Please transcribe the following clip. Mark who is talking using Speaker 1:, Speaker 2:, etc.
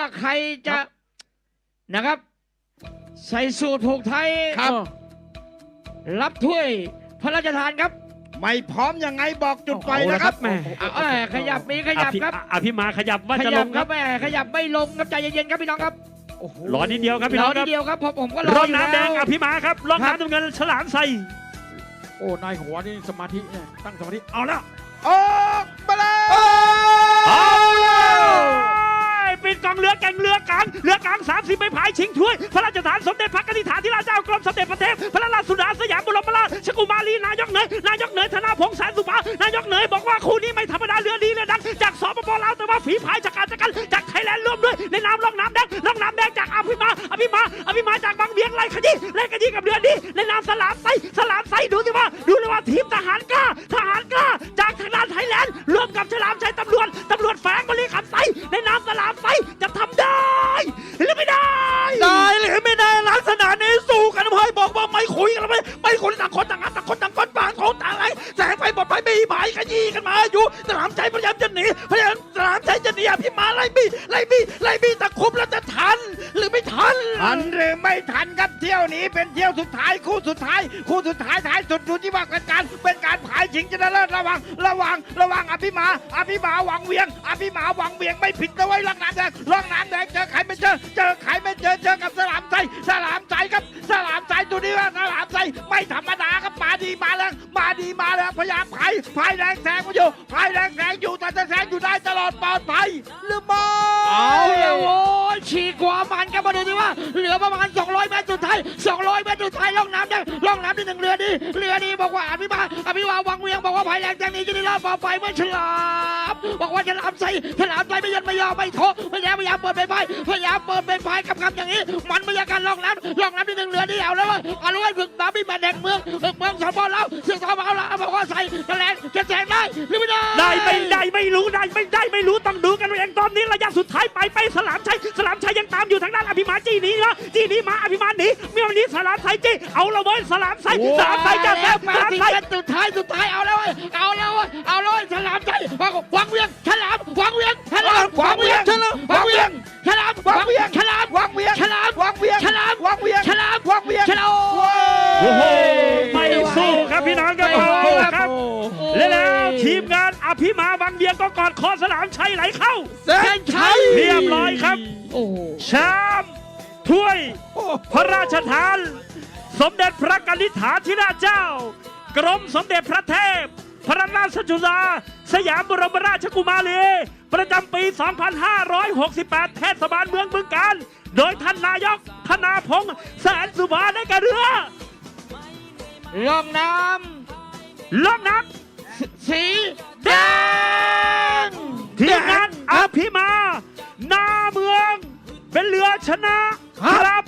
Speaker 1: ใครจะนะครับใส่สูตรผูกไทย
Speaker 2: ครับ
Speaker 1: รับถ้วยพระราชทานครับ
Speaker 2: ไม่พร้อมยังไงบอกจุดไฟ
Speaker 3: เอาละ
Speaker 2: นะค
Speaker 3: ครั
Speaker 2: รับบ
Speaker 3: แม่
Speaker 1: ขยับมีขยับครับ
Speaker 3: อภิมาขยับว่า
Speaker 1: ข
Speaker 3: จะล
Speaker 1: ยับ
Speaker 3: ง
Speaker 1: ค
Speaker 3: ค
Speaker 1: รั
Speaker 3: รั
Speaker 1: บบ แม่ขยับไม่ลงครับใจเย็นๆครับพี่น้องครับ
Speaker 3: รอนิดเดียวครับพี่
Speaker 1: ร
Speaker 3: น้
Speaker 1: อ
Speaker 3: องค
Speaker 1: นิ
Speaker 3: รั
Speaker 1: ด
Speaker 3: บ
Speaker 1: เดียวครับผมก็รอ
Speaker 3: ร่อง
Speaker 1: อยู่
Speaker 3: น้ำแดง
Speaker 1: ล้ว
Speaker 3: อภิมาครับร่อง
Speaker 1: ครับ
Speaker 3: น้ำน้ำเงินฉลามใส่
Speaker 4: โอ้นายหัวนี่สมาธิเนี่ยตั้งสมาธิเอาละ
Speaker 2: ออกมาเลย
Speaker 3: เอาแล้วปิดกองเรือแก่งเรือกลาง30ไม่ผายชิงถ้วยพระราชทานสมเด็จพระกนิษฐาธิราชเจ้ากรมสมเด็จพระเทพพระราชสุดาสยามบรมราชกุมารีนายกเหนยธนาพงษ์แสนสุภานายกเหนยบอกว่าคู่นี้ไม่ธรรมดาเรือดีเรือดังจากสปปลาวแต่ว่าฝีพายจากการจากไทยแลนด์ร่วมด้วยในนามร่องน้ำแดงจากอภิมาจากบางเวียงไล่ขยี้กับเรือดีในนามสลามไซดูเลยว่าทีมทหารกล้าจากทางด้านไทยแลนด์ร่วมกับฉลามชัยตำรวจแฝงบริขับไซในนามสลามไซจะทำได้หรือไม่ได้หรือไม่ได้ลักษณะนี้สู้กันเพื่อบอกว่าไม่คุยกันแล้วไม่คุยต่างคนต่างก้นปางของต่างอะไรแสงไฟบดไฟไม่หมายขยี้กันมาอยู่สลามชัยพยายามจะหนีสลามชัยจะหนีพี่มาไล่บี้ตะคุบแล้วจะทันหรือไม่ทัน
Speaker 2: ทันหรือไม่ทันครับเที่ยวนี้เป็นเที่ยวสุดท้ายคู่สุดท้ายท้ายสุดดูที่ว่าเป็นการผายชิงชนะเลิศระวังอภิมาหวังเวียงไม่ผิดนะไว้ร่องน้ำแดงเจอใครไม่เจอเจอกับสลามไซครับสลามไซตัวนี้ว่าสลามไซไม่ธรรมดาครับมาดีมาแรงพยายามพายแรงแซงอยู่แต่จะแซงอยู่ได้ตลอดปลอดภัยหรือไม่
Speaker 1: เอาแล้วโว้ยฉีกขวามันกันมาดูดิว่าเหลือประมาณ200 เมตรสุดท้ายล่องน้ำแดงล่องน้ำที่หนึ่งเรือดีบอกว่าอภิมาวังเวียงบอกว่าภายแรงแจงนี้จะได้รอบต่อไปเมื่อฉลามบอกว่าฉลามใส่ไม่ยันไม่ยอมไม่โถพยายามเปิดไปกับคำอย่างนี้มันไม่อยากการล่องน้ำที่หนึ่งเรือดีเอาแล้วฝึกน้ำพี่มาแดงเมืองสปเราเสียงสปเราบอกว่าใส่จะแรงจะแซงได้หรือไม่ได้
Speaker 3: ไม่รู้ต้องดูกันเองตอนนี้ระยะสุดท้ายไปสลามชัยยังตามอยู่ทางด้านอภิมาจี้หนีมาอภิมาหนีมีวันนี้สลามชัยจี้เอาละเว้ยสลามชัยจะแซง
Speaker 1: มาสิกันสุดท้ายเอาแล้วฉลามใจวังเวียงฉลามวังเวียงฉลามวังเวียงฉลามวังเวียงฉลามวังเวียงฉลามวังเวียงฉลามวังเวียงฉลามวังเวียงฉลามวังเวียงฉลาม
Speaker 3: โอ้โหไม่สู้ครับพี่น้องครับครับแล้วทีมงานอภิมาบางเบียงก็กอดคอสลามชัยไหลเข้า
Speaker 1: เส้นชัย
Speaker 3: เรียบร้อยครับ
Speaker 1: โอ้โห
Speaker 3: แชมป์ถ้วยพระราชทาน สมเด็จพระกนิษฐาธิราชเจ้ากรมสมเด็จพระเทพพระราชสุดาสยามบรมราชกุมารีประจำปี 2568 เทศบาลเมืองบึงกาฬโดยท่านนายกธนาพงษ์แสนสุภาได้แก่เรือ
Speaker 1: ล่องน้
Speaker 3: ล่องน้
Speaker 1: ำสีแดง
Speaker 3: ำทีมงานอภิมาหน้าเมืองเป็นเรือชนะครับ